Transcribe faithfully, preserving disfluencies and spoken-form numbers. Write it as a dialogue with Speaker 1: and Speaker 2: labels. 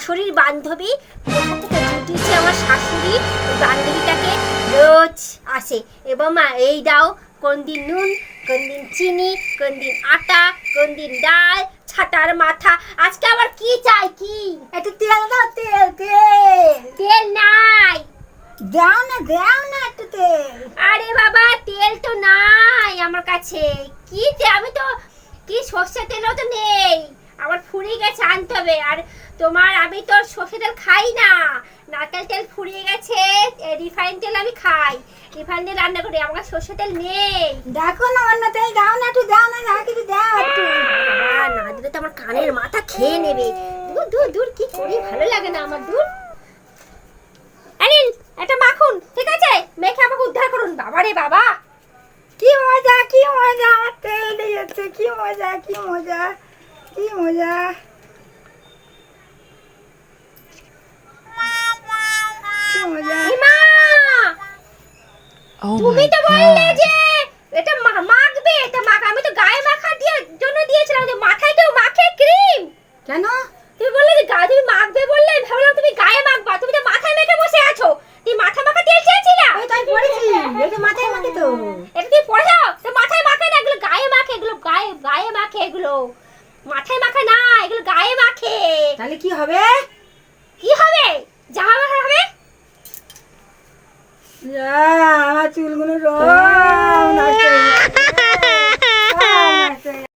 Speaker 1: শাশুড়ির বান্ধবী কোথা থেকে জুটিয়েছে আমার শাশুড়ি বান্ধবীটাকে রোজ আসে এবং মা এই দাও কোন দিন নুন কোন দিন চিনি কোন দিন আটা কোন দিন ডাল ছাটার মাথা আজকে আবার কি চাই কি
Speaker 2: একটু তেল দাও তেল তেল
Speaker 1: তেল নাই
Speaker 2: দাও না দাও না একটু তেল।
Speaker 1: আরে বাবা তেল তো নাই আমার কাছে কি তে আমি তো কি সর্ষের তেলও তো নেই আমার ফুরিয়ে গেছে আনতে হবে আর তোমার আমি তো সর্ষের তেল খাই না নারকেল তেল ফুরিয়ে গেছে রিফাইন তেল আমি খাই রিফাইন তেল রান্না করি আমার কাছে সর্ষের তেল নেই
Speaker 2: দেখো না অন্য তেল দাও না একটু দাও না দাও কিছু দাও একটু।
Speaker 1: আর না দিলে তো আমার কানের মাথা খেয়ে নেবে দূর দূর দূর কি করি ভালো লাগে না আমার দূর আনিন এটা মাখুন ঠিক আছে মেখে আমাকে উদ্ধার করুন বাবা রে বাবা
Speaker 2: কি মজা কি মজা আমার তেল দিয়েছে কি মজা কি মজা কি মজা। কি মজা
Speaker 1: মা
Speaker 3: Oh
Speaker 1: তুমি
Speaker 3: my
Speaker 1: তো বললে
Speaker 3: god.
Speaker 1: যে এটা মা- মাখবে এটা মাখ আমি তো গায়ে মাখা দিয়ে জন্য দিয়েছিলাম যে মাথায় কেউ মাখে ক্রিম
Speaker 2: কেন
Speaker 1: তুমি বললে যে গা তুমি মাখবে বললে আমি ভাবলাম তুমি গায়ে মাখবা তুমি তো মাথায় মেখে বসে আছো তুমি মাথা মাখা তেল চেয়েছিলা
Speaker 2: ওই তাই পড়েছি এটা মাথায় মাখে তো।
Speaker 1: এটা তুমি পড়েছো তো মাথায় মাখে না এগুলো গায়ে মাখে এগুলো গায়ে গায়ে মাখে এগুলো মাথায় মাখে না এগুলো গায়ে মাখে
Speaker 2: তাহলে কি হবে?
Speaker 1: কি হবে জামা মাখা হবে
Speaker 2: যা আমার চুলগুলো রোজ